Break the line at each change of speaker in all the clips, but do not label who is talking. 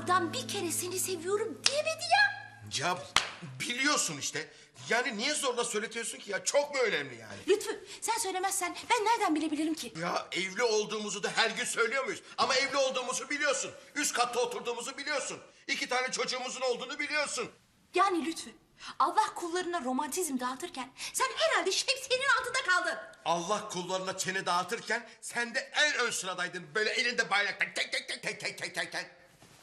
Adam bir kere seni seviyorum diyemedi ya.
Ya biliyorsun işte. Yani niye zorla söyletiyorsun ki ya? Çok mu önemli yani?
Lütfü sen söylemezsen ben nereden bilebilirim ki?
Ya evli olduğumuzu da her gün söylüyor muyuz? Ama evli olduğumuzu biliyorsun. Üst katta oturduğumuzu biliyorsun. 2 tane çocuğumuzun olduğunu biliyorsun.
Yani Lütfü Allah kullarına romantizm dağıtırken sen herhalde şemsiyenin altında kaldın.
Allah kullarına çene dağıtırken sen de en ön sıradaydın. Böyle elinde bayrakla tek tek tek tek tek tek tek tek.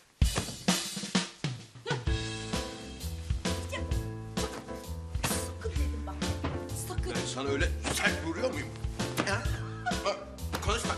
Sakın dedim bak. Sakın.
Ben sana öyle sert vuruyor muyum? Ha? Ha, konuşma.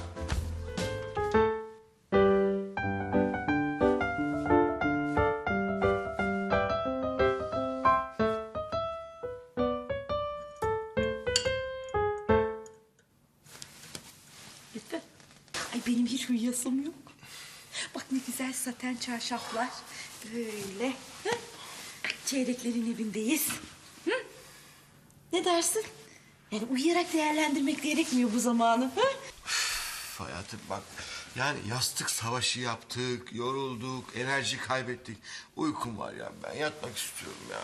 Lütfü. Ay benim hiç uyuyasım yok. Bak ne güzel saten çarşaflar. Böyle. Hı? Çeyreklerin evindeyiz. Hı? Ne dersin? Yani uyuyarak değerlendirmek gerekmiyor bu zamanı. Hı?
Hayatım bak, yani yastık savaşı yaptık, yorulduk, enerji kaybettik. Uykum var ya, ben yatmak istiyorum ya.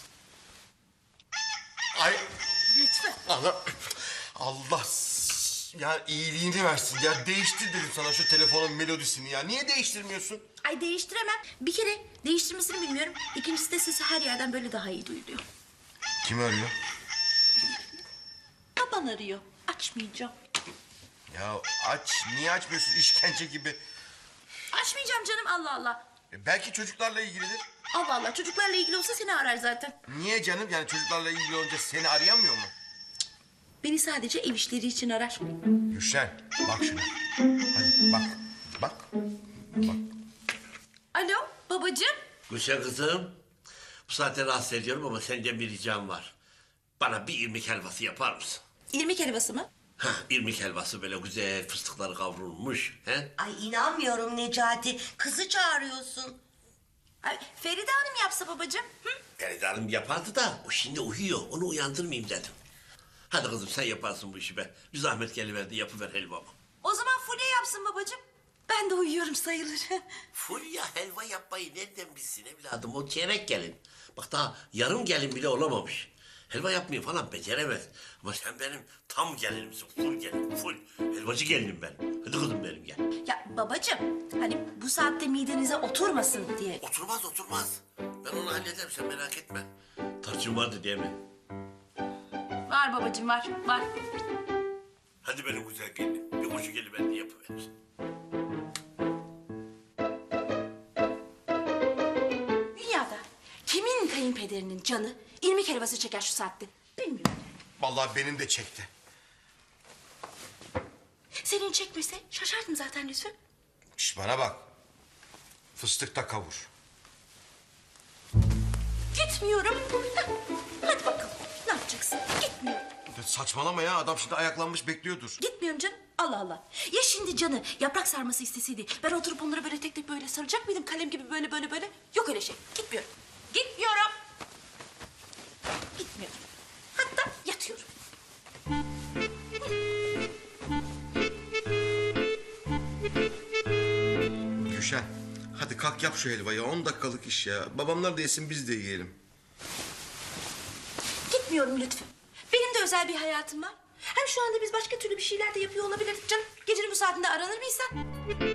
Ay
Lütfü.
Allah ya iyiliğini versin ya. Değiştir dedim sana şu telefonun melodisini ya. Niye değiştirmiyorsun?
Ay değiştiremem. Bir kere değiştirmesini bilmiyorum. İkincisi de sesi her yerden böyle daha iyi duyuluyor.
Kim arıyor?
Baban arıyor. Açmayacağım.
Ya aç, niye açmıyorsun işkence gibi?
Açmayacağım canım Allah Allah.
Belki çocuklarla ilgilidir.
Allah Allah çocuklarla ilgili olsa seni arar zaten.
Niye canım? Yani çocuklarla ilgili olunca seni arayamıyor mu?
Beni sadece ev işleri için arar.
Gülşen, bak şuna. Hadi bak, bak, bak.
Alo babacığım.
Gülşen kızım, bu saatte rahatsız ediyorum ama senden bir ricam var. Bana bir irmik helvası yapar mısın?
İrmik helvası mı?
Hah, irmik helvası böyle güzel fıstıkları kavrulmuş. He?
Ay inanmıyorum Necati. Kızı çağırıyorsun.
Ay, Feride Hanım yapsa babacığım. Hı?
Feride Hanım yapardı da o şimdi uyuyor. Onu uyandırmayayım dedim. Hadi kızım sen yaparsın bu işi be. Bir zahmet geliverdi yapıver helvamı.
O zaman Fulya yapsın babacığım. Ben de uyuyorum sayılır.
Fulya helva yapmayı nereden bilsin evladım? O çeyrek gelin. Bak daha yarım gelin bile olamamış. Helva yapmayı falan beceremez. Ama sen benim tam gelinimsin. Full gelin, full. Helvacı gelinim ben. Hadi kızım benim gel.
Ya babacığım hani bu saatte midenize oturmasın diye.
Oturmaz oturmaz. Ben onu hallederim sen merak etme. Tarçın vardı değil mi?
Var babacığım var.
Hadi benim güzel gelinim. Bir koşu geliverdi yapıver.
Dünyada kimin kayınpederinin canı irmik helvası çeker şu saatte? Bilmiyorum.
Vallahi benim de çekti.
Senin çekmese şaşardım zaten Lütfü.
Şş, bana bak. Fıstıkta kavur.
Gitmiyorum. Heh, hadi bakalım. Ne yapacaksın? Gitmiyorum.
Ya saçmalama ya, adam şimdi ayaklanmış bekliyordur.
Gitmiyorum canım. Allah Allah. Ya şimdi canı yaprak sarması isteseydi ben oturup onları böyle tek tek böyle saracak mıydım kalem gibi böyle? Yok öyle şey. Gitmiyorum. Gitmiyorum. Gitmiyorum. Hatta yatıyorum.
Gülşen, hadi kalk yap şu helvayı. 10 dakikalık iş ya. Babamlar da yesin, biz de yiyelim.
Gitmiyorum Lütfü. Benim de özel bir hayatım var. Hem şu anda biz başka türlü bir şeyler de yapıyor olabilirdik canım. Gecenin bu saatinde aranır mıyız sen?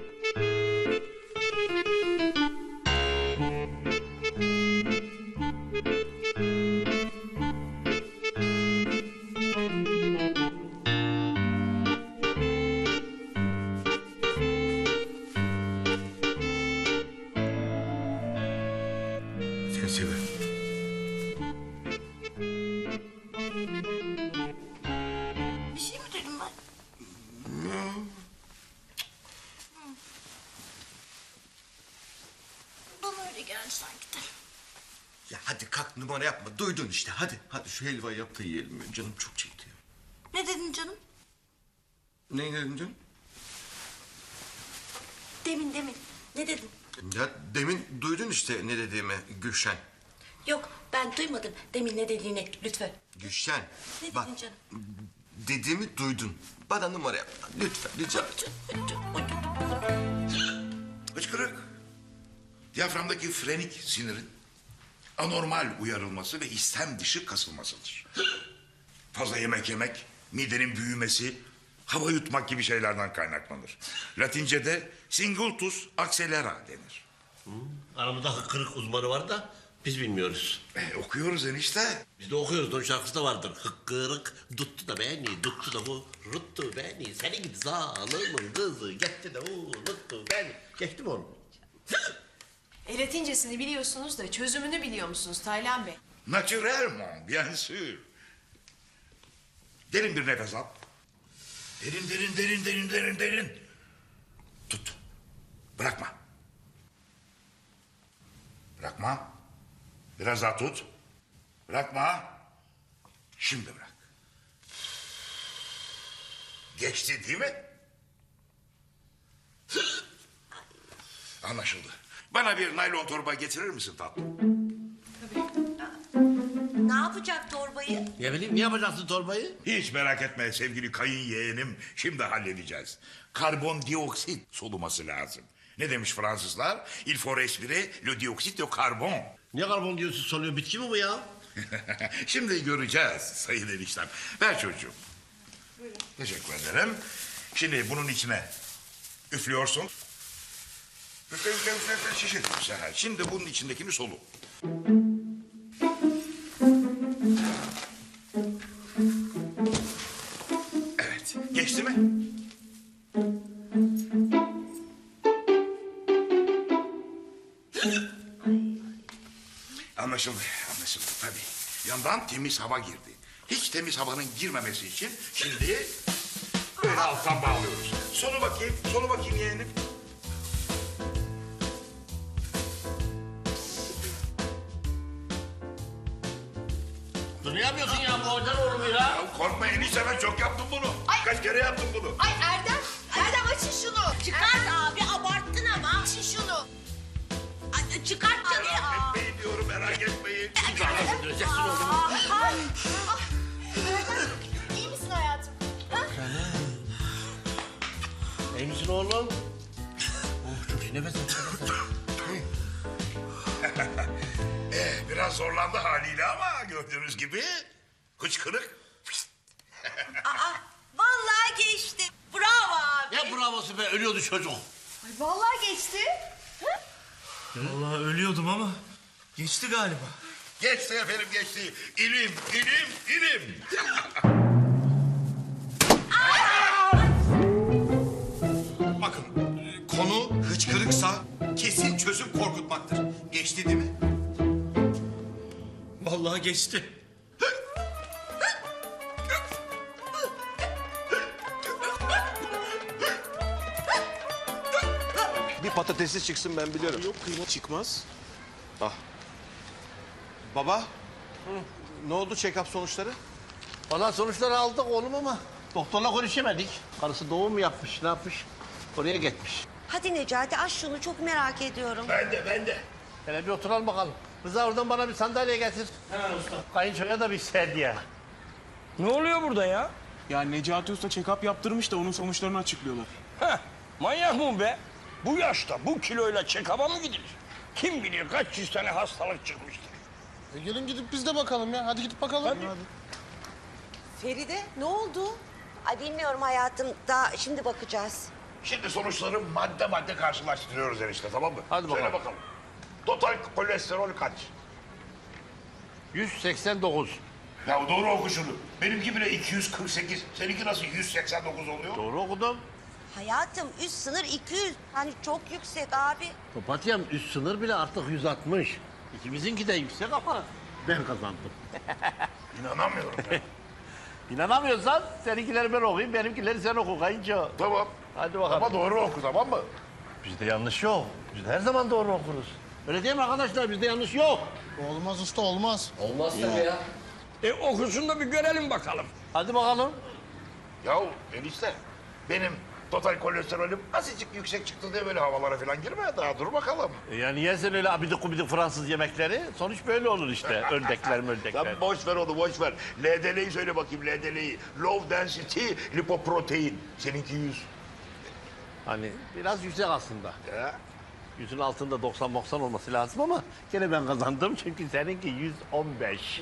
Seni seviyorum.
Bir şey mi dedim ben? Bana öyle geldi sanki de.
Ya hadi kalk, numara yapma. Duydun işte, hadi. Hadi şu helvayı yap da yiyelim. Canım çok çekti ya.
Ne dedin canım?
Ne dedin canım?
Demin. Ne dedin?
Ya demin duydun işte ne dediğimi Gülşen.
Yok ben duymadım demin ne dediğini Lütfü.
Gülşen,
Ne
bak
dedin canım?
dediğimi duydun. Bana numara yapma. Lütfen rica ederim.
Hıçkırık.
Diyaframdaki frenik sinirin anormal uyarılması ve istem dışı kasılmasıdır. Fazla yemek yemek, midenin büyümesi, hava yutmak gibi şeylerden kaynaklanır. Latince'de singultus accelera denir.
Aramızda kırık uzmanı var da biz bilmiyoruz.
Okuyoruz enişte.
Biz de okuyoruz. Onun şarkısı da vardır. Hıkkırık tuttu da beni, tuttu da ruttu beni. Senin gibi zalimin kızı gitti de unuttu beni. Geçti mi onu?
Latincesini biliyorsunuz da çözümünü biliyor musunuz Taylan Bey?
Naturellement, bien sûr. Derin bir nefes al. Derin. Tut. Bırakma. Bırakma. Biraz daha tut. Bırakma. Şimdi bırak. Geçti değil mi? Anlaşıldı. Bana bir naylon torba getirir misin tatlım?
Ne yapacak torbayı?
Ne bileyim, ne yapacaksın torbayı?
Hiç merak etme sevgili kayın yeğenim. Şimdi halledeceğiz. Karbondioksit soluması lazım. Ne demiş Fransızlar? Il faut respirer le dioxyde de carbone.
Niye karbondioksit soluyor? Bitki mi bu ya?
Şimdi göreceğiz sayın eniştem. Ver çocuğum. Teşekkür ederim. Şimdi bunun içine üflüyorsun. Üfle, şişir. Güzel. Şimdi bunun içindekini solu. Evet. Geçti mi? Anlaşıldı tabii. Yandan temiz hava girdi. Hiç temiz havanın girmemesi için şimdi böyle alttan bağlıyoruz. Sonu bakayım yeğenim.
Dur, ne yapıyorsun ya? Bu hocan oğlum ya.
Ya korkma enişte ben çok yaptım bunu. Kaç kere yaptım bunu.
Ay Erdem açın şunu.
Çıkart abi abarttın ama. Açın şunu. Ay, çıkart canım.
Etmeyin diyorum merak etmeyin.
Öldüreceksin oğlumu.
İyi misin hayatım?
İyi misin oğlum? Oh, çok iyi nefes al.
Biraz zorlandı haliyle ama gördüğünüz gibi hıçkırık.
Vallahi geçti. Bravo abi.
Ne bravosu be, ölüyordu çocuk.
Ay vallahi geçti.
Vallahi ölüyordum ama geçti galiba.
Geçti efendim geçti. İlim.
Bakın konu hıçkırıksa kesin çözüm korkutmaktır. Geçti değil mi?
Vallahi geçti.
Bir patatesi çıksın ben biliyorum.
Yok kıyma çıkmaz.
Baba. Ne oldu check-up sonuçları?
Valla sonuçları aldık oğlum ama doktorla konuşamadık. Karısı doğum mu yapmış, ne yapmış? Oraya gitmiş.
Hadi Necati aç şunu çok merak ediyorum.
Ben de.
Hele bir oturalım bakalım. Rıza oradan bana bir sandalye getir. Hemen usta. Kayınçoya da bir sedye.
Ne oluyor burada ya?
Ya Necati Usta check-up yaptırmış da onun sonuçlarını açıklıyorlar.
Heh, manyak mı be? Bu yaşta bu kiloyla check-up'a mı gidilir? Kim bilir kaç yüz tane hastalık çıkmıştır.
Gelin gidip biz de bakalım ya. Hadi gidip bakalım. Hadi.
Feride ne oldu? Ay bilmiyorum hayatım daha şimdi bakacağız.
Şimdi sonuçları madde karşılaştırıyoruz enişte tamam mı?
Hadi bakalım.
Söyle bakalım. Total kolesterol kaç?
189.
Ya doğru oku şunu. Benimki bile 248. Seninki nasıl 189 oluyor?
Doğru okudum.
Hayatım üst sınır 200. Hani çok yüksek abi.
Papatyam üst sınır bile artık 160. İkimizinki de yüksek ama ben kazandım.
İnanamıyorum ya.
İnanamıyorsan seninkileri ben okuyayım, benimkileri sen oku kayınço.
Tamam.
Hadi bakalım.
Ama doğru oku tamam mı?
Bizde yanlış yok. Biz her zaman doğru okuruz. Öyle değil mi arkadaşlar? Bizde yanlış yok.
Olmaz usta olmaz.
Olmaz tabii ya.
Okusun da bir görelim bakalım.
Hadi bakalım.
Ya enişte benim total kolesterolüm azıcık yüksek çıktı diye böyle havalara falan girme. Daha dur bakalım.
Yani yersen öyle abidik gubidik Fransız yemekleri sonuç böyle olur işte. Ördekler mördekler.
Sen boş ver onu boş ver. LDL'yi söyle bakayım LDL'yi. Low density lipoprotein. Seninki 100.
Hani biraz yüksek aslında.
Ya.
Yüzün altında 90-90 olması lazım ama gene ben kazandım çünkü seninki 115.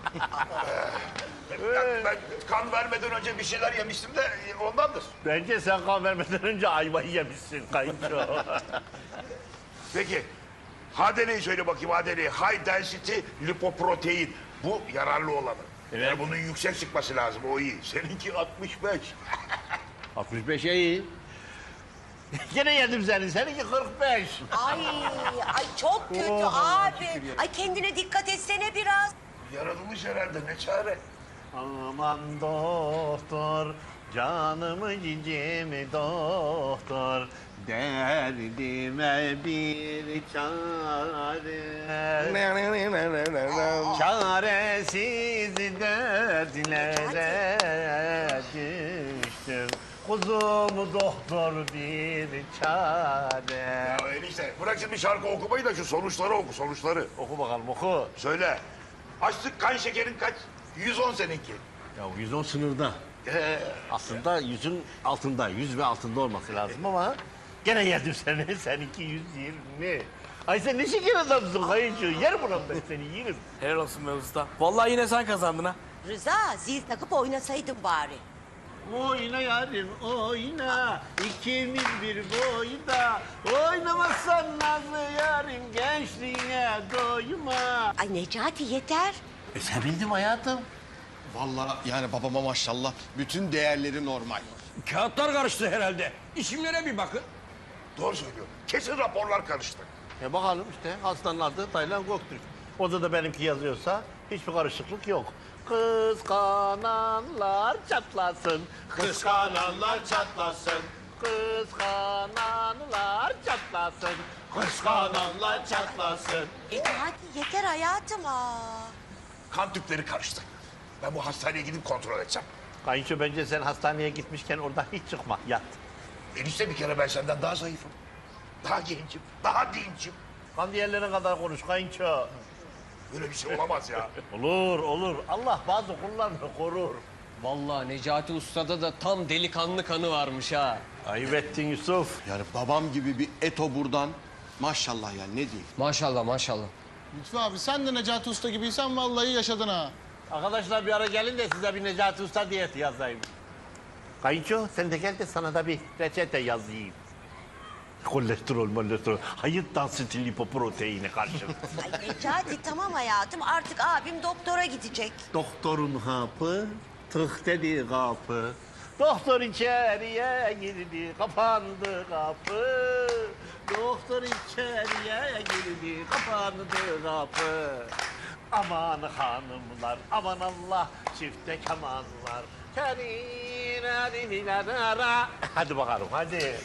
Ben kan vermeden önce bir şeyler yemiştim de ondandır.
Bence sen kan vermeden önce ayvayı yemişsin kayınço.
Peki, HDL'yi söyle bakayım HDL'yi. High density lipoprotein. Bu yararlı olanı.
Evet.
Yani bunun yüksek çıkması lazım, o iyi. Seninki 65.
65 iyi. Gene yedim seni. Seninki 45.
Ay çok kötü abi. Ay kendine dikkat etsene biraz.
Yaratılmış herhalde, ne çare?
Aman doktor, canımı cicimi doktor, derdime bir çare. Çaresiz dertlere düştüm. Kuzum doktor bir çare.
Ya enişte, bırak şimdi şarkı okumayı da şu sonuçları oku, sonuçları.
Oku bakalım oku.
Söyle. Açlık, kan şekerin kaç? 110 seninki.
Ya 110 sınırda. Aslında 100'ün altında, 100 ve altında olması lazım ama gene yedim seni. Seninki 120. Ay sen ne şeker adamsın kayınço. Yer buram ben seni yerim.
Helal olsun be usta. Vallahi yine sen kazandın ha.
Rıza zil takıp oynasaydın bari.
Oyna yarim oyna, ikimiz bir boyda. Oynamazsan nazlı yarim, gençliğine doyma.
Ay Necati yeter.
Sevindim hayatım.
Vallahi yani babama maşallah bütün değerleri normal.
Kağıtlar karıştı herhalde. İsimlere bir bakın.
Doğru söylüyor. Kesin raporlar karıştı.
Bakalım işte hastanın adı Taylan Göktürk. Orada da benimki yazıyorsa hiçbir karışıklık yok. Kıskananlar çatlasın.
Kıskananlar çatlasın.
Kıskananlar çatlasın.
Kıskananlar çatlasın.
Hadi yeter hayatım.
Kan tüpleri karıştı. Ben bu hastaneye gidip kontrol edeceğim.
Kayınço bence sen hastaneye gitmişken oradan hiç çıkma. Yat.
Enişte bir kere ben senden daha zayıfım. Daha gencim, daha dincim.
Kan diğerlerine kadar konuş kayınço.
Böyle bir şey olamaz ya.
Olur olur. Allah bazı kullarını korur.
Vallahi Necati Usta'da da tam delikanlı kanı varmış ha.
Ayıp ettin Yusuf.
Yani babam gibi bir eto buradan maşallah yani ne diyeyim.
Maşallah maşallah.
Lütfü abi sen de Necati Usta gibiysen vallahi yaşadın ha.
Arkadaşlar bir ara gelin de size bir Necati Usta diyeti yazayım. Kayınço sen de gel de sana da bir reçete yazayım. Kolesterol. Hayır dansiti lipoproteine karşı.
Ay Necati tamam hayatım artık abim doktora gidecek.
Doktorun hapı, tık dedi kapı. Doktor içeriye girdi, kapandı kapı. Doktor içeriye girdi, kapandı kapı. Aman hanımlar, aman Allah, çifte kemanlar. Hadi bakalım, hadi.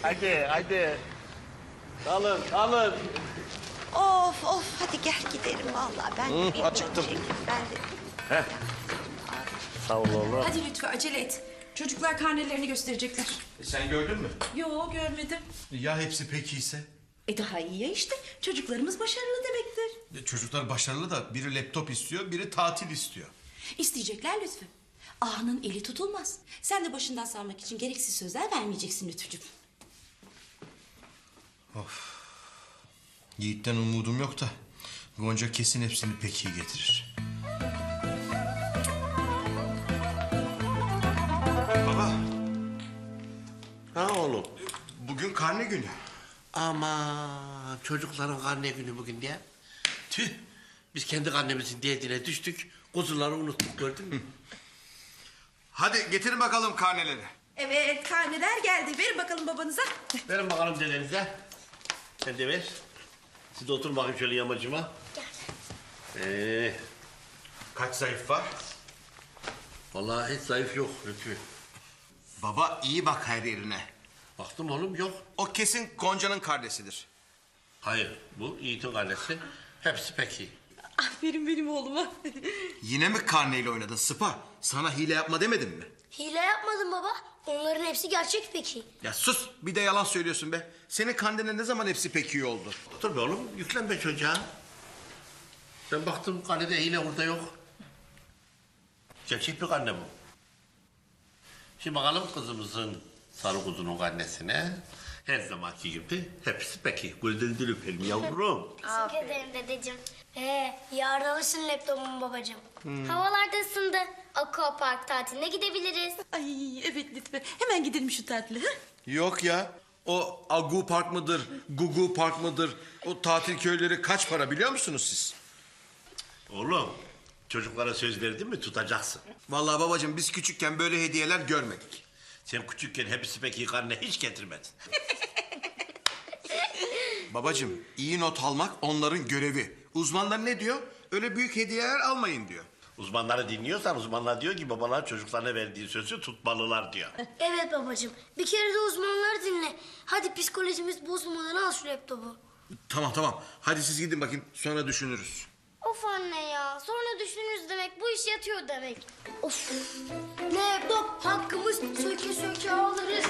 Alın.
Of hadi gel gidelim vallahi ben de bir
acıktım.
Ben de.
Sağ ol oğlum.
Hadi Lütfü acele et. Çocuklar karnelerini gösterecekler.
Sen gördün mü?
Yo görmedim.
Ya hepsi pek iyiyse?
Daha iyi ya işte. Çocuklarımız başarılı demektir.
Çocuklar başarılı da biri laptop istiyor, biri tatil istiyor.
İsteyecekler Lütfü. Ağanın eli tutulmaz. Sen de başından salmak için gereksiz sözler vermeyeceksin Lütfücüğüm.
Yiğit'ten umudum yok da Gonca kesin hepsini pek iyi getirir. Baba,
Ha oğlum.
bugün karne günü.
Ama çocukların karne günü bugün diye. Tüh. Biz kendi karnemizin diyetine düştük. Kuzuları unuttuk gördün mü?
Hadi getirin bakalım karneleri.
Evet karneler geldi. Verin bakalım babanıza.
Verin bakalım dedenize. Sen de ver. Siz de oturun bakayım şöyle yamacıma. Gel.
Kaç zayıf var?
Vallahi hiç zayıf yok Lütfü.
Baba iyi bak her yerine.
Baktım oğlum yok.
O kesin Gonca'nın kardeşidir.
Hayır bu Yiğit'in karnesi. Hepsi pek iyi.
Aferin benim oğluma.
Yine mi karneyle oynadın Sıpa? Sana hile yapma demedim mi?
Hile yapmadım baba. Onların hepsi gerçek peki.
Ya sus bir de yalan söylüyorsun be. Senin karnene ne zaman hepsi pek iyi oldu?
Otur be oğlum yüklenme çocuğa. Ben baktım karnede hile burada yok. Gerçek bir karne bu. Şimdi bakalım kızımızın sarı kuzunun karnesine. Her zamanki gibi hepsi peki. Gözlerinden öperim yavrum.
Teşekkür ederim dedeciğim. Yarın alırsın laptopumu babacığım. Havalar da ısındı. Aquapark tatiline gidebiliriz.
Ay evet lütfen. Hemen gidelim şu tatile. Ha?
Yok ya. O Agu Park mıdır, Gugu Park mıdır? O tatil köyleri kaç para biliyor musunuz siz?
Oğlum çocuklara söz verdin mi tutacaksın.
Vallahi babacığım biz küçükken böyle hediyeler görmedik.
Sen küçükken hepsi peki karnına hiç getirmedin.
Babacığım iyi not almak onların görevi. Uzmanlar ne diyor? Öyle büyük hediyeler almayın diyor.
Uzmanları dinliyorsan uzmanlar diyor ki babalar çocuklarına verdiği sözü tutmalılar diyor.
Evet babacığım. Bir kere de uzmanları dinle. Hadi psikolojimiz bozulmadan al şu laptopu.
Tamam. Hadi siz gidin bakayım sonra düşünürüz.
Of anne ya. Sonra düşünürüz demek. Bu iş yatıyor demek. Of. Laptop hakkımız söke söke alırız.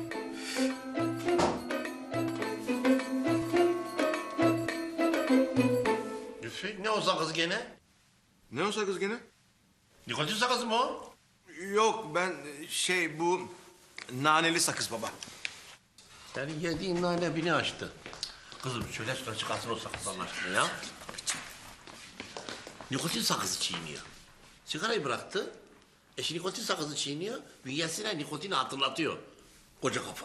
Lütfü ne o sakız gene?
Ne o sakız gene?
Nikotin sakızı mı o?
Yok ben bu naneli sakız baba.
Senin yediğin nane bini açtı. Kızım şöyle şuna çıkarsın o sakızdan aşkına ya. Nikotin sakızı çiğniyor. Sigarayı bıraktı. Eşi nikotin sakızı çiğniyor. Bünyesine nikotini hatırlatıyor. Koca kafa.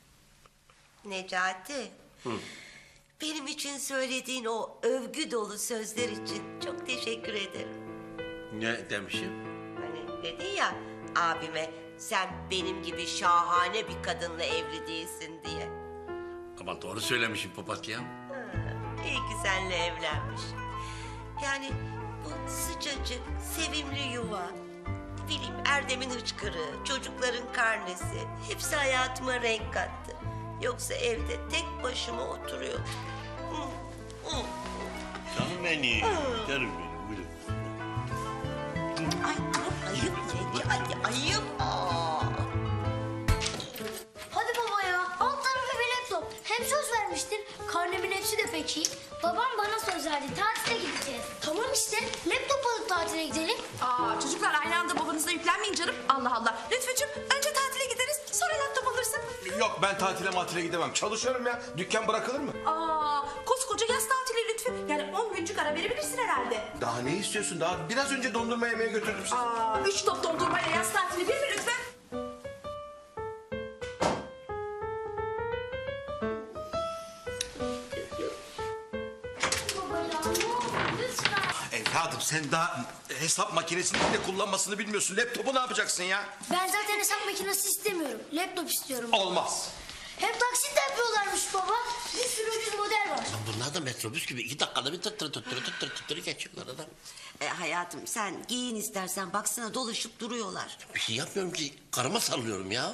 Necati. Benim için söylediğin o övgü dolu sözler için çok teşekkür ederim.
Ne demişim?
Hani dedin ya abime sen benim gibi şahane bir kadınla evli değilsin diye.
Ama doğru söylemişim papatya.
İyi ki seninle evlenmiş. Yani bu sıcacık, sevimli yuva, ne bileyim Erdem'in hıçkırığı, çocukların karnesi hepsi hayatıma renk kattı. Yoksa evde tek başıma oturuyor.
Canım benim. Canım benim. Buyurun.
Ay ayıp Necati, ayıp.
Hadi baba ya. Alt tarafı bir laptop. Hem söz vermiştin. Karnemin hepsi de peki. Babam bana söz verdi. Tatile gideceğiz. Tamam işte. Laptop alıp tatile gidelim.
Çocuklar aynı anda babanıza yüklenmeyin canım. Allah Allah. Lütfücüğüm önce tatile gideriz sonra laptop alırsın.
Yok ben tatile gidemem. Çalışıyorum ya. Dükkan bırakılır mı?
Koskoca yaz tatili Lütfü. Yani 10 güncük ara verebilirsin herhalde.
Daha ne istiyorsun? Daha biraz önce dondurma yemeye götürdüm sizi.
3 top dondurmayla yaz tatili bir mi Lütfü?
Baba ya ne olur lütfen.
Evladım sen daha hesap makinesini bile kullanmasını bilmiyorsun. Laptopu ne yapacaksın ya?
Ben zaten hesap makinesi istemiyorum. Laptop istiyorum.
Olmaz.
Hem taksit de yapıyorlarmış baba. Bir sürü ucuz model var.
Lan bunlar da metrobüs gibi 2 dakikada bir tıttırı geçiyorlar adam.
Hayatım sen giyin istersen baksana dolaşıp duruyorlar.
Bir şey yapmıyorum ki karıma sallıyorum ya.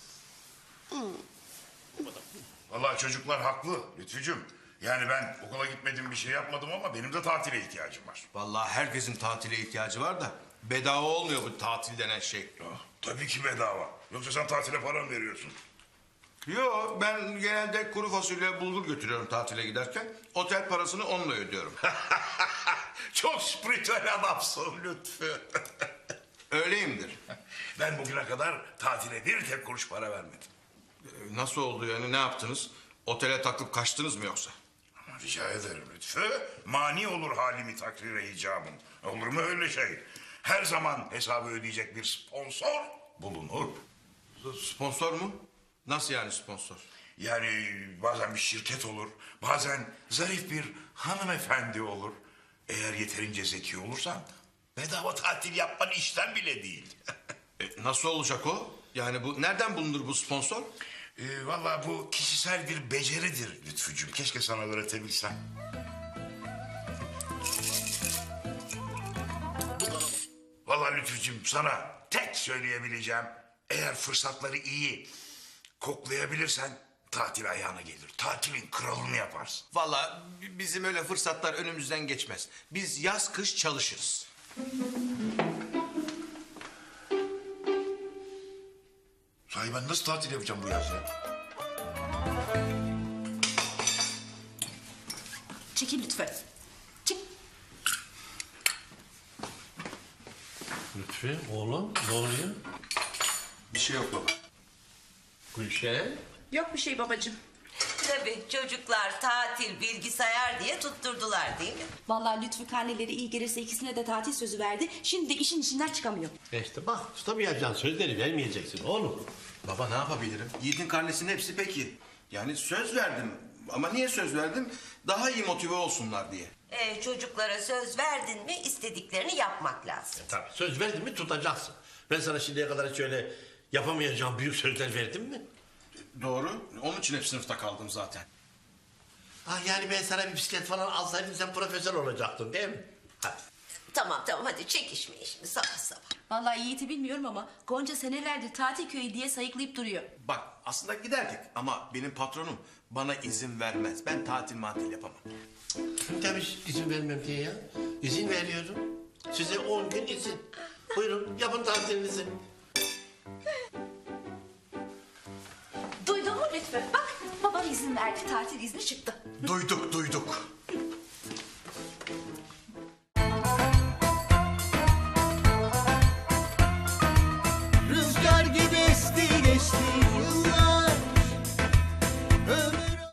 Vallahi çocuklar haklı Lütfücüğüm. Yani ben okula gitmedim bir şey yapmadım ama benim de tatile ihtiyacım var.
Vallahi herkesin tatile ihtiyacı var da bedava olmuyor bu tatil denen şey.
Tabii ki bedava. Yoksa sen tatile para mı veriyorsun?
Yo ben genelde kuru fasulye bulgur götürüyorum tatile giderken. Otel parasını onunla ödüyorum.
Çok spiritüel adamsın Lütfü.
Öyleyimdir.
Ben bugüne kadar tatile bir tek kuruş para vermedim.
Nasıl oldu yani ne yaptınız? Otele takıp kaçtınız mı yoksa?
Ama rica ederim Lütfü. Mani olur halimi takdire icabım. Olur mu öyle şey? Her zaman hesabı ödeyecek bir sponsor bulunur.
Sponsor mu? Nasıl yani sponsor?
Yani bazen bir şirket olur, bazen zarif bir hanımefendi olur. Eğer yeterince zeki olursan bedava tatil yapman işten bile değil.
Nasıl olacak o? Yani bu nereden bulunur bu sponsor?
Vallahi bu kişisel bir beceridir Lütfücüğüm. Keşke sana öğretebilsem. Vallahi Lütfücüğüm sana tek söyleyebileceğim... eğer fırsatları iyi koklayabilirsen tatil ayağına gelir. Tatilin kralını yaparsın.
Vallahi bizim öyle fırsatlar önümüzden geçmez. Biz yaz kış çalışırız.
Sahi ben nasıl tatil yapacağım bu yaz ya?
Çekil lütfen. Çık.
Lütfü oğlum ne oluyor?
Bir şey yok baba.
Gülşen
Yok bir şey babacığım.
Tabii çocuklar tatil, bilgisayar diye tutturdular değil mi?
Vallahi Lütfü karneleri iyi gelirse ikisine de tatil sözü verdi. Şimdi de işin içinden çıkamıyor.
İşte bak tutamayacaksın sözleri vermeyeceksin oğlum.
Baba ne yapabilirim? Yiğit'in karnesinin hepsi peki. Yani söz verdim. Ama niye söz verdim? Daha iyi motive olsunlar diye.
Çocuklara söz verdin mi istediklerini yapmak lazım.
Tabii söz verdin mi tutacaksın. Ben sana şimdiye kadar hiç öyle yapamayacağım büyük sözler verdim mi?
Doğru. Onun için hep sınıfta kaldım zaten.
Ah yani ben sana bir bisiklet falan alsaydım sen profesör olacaktın değil mi? Hadi.
Tamam hadi çekişmeyin şimdi sabah sabah.
Vallahi Yiğit'i bilmiyorum ama Gonca senelerdir tatil köyü diye sayıklayıp duruyor.
Bak aslında giderdik ama benim patronum bana izin vermez. Ben tatil matil yapamam.
Tabii izin vermem diye ya. İzin veriyorum. Size 10 gün izin. Buyurun yapın tatilinizi.
Duydun mu Lütfü? Bak babam izin verdi tatil izni çıktı.
Duyduk.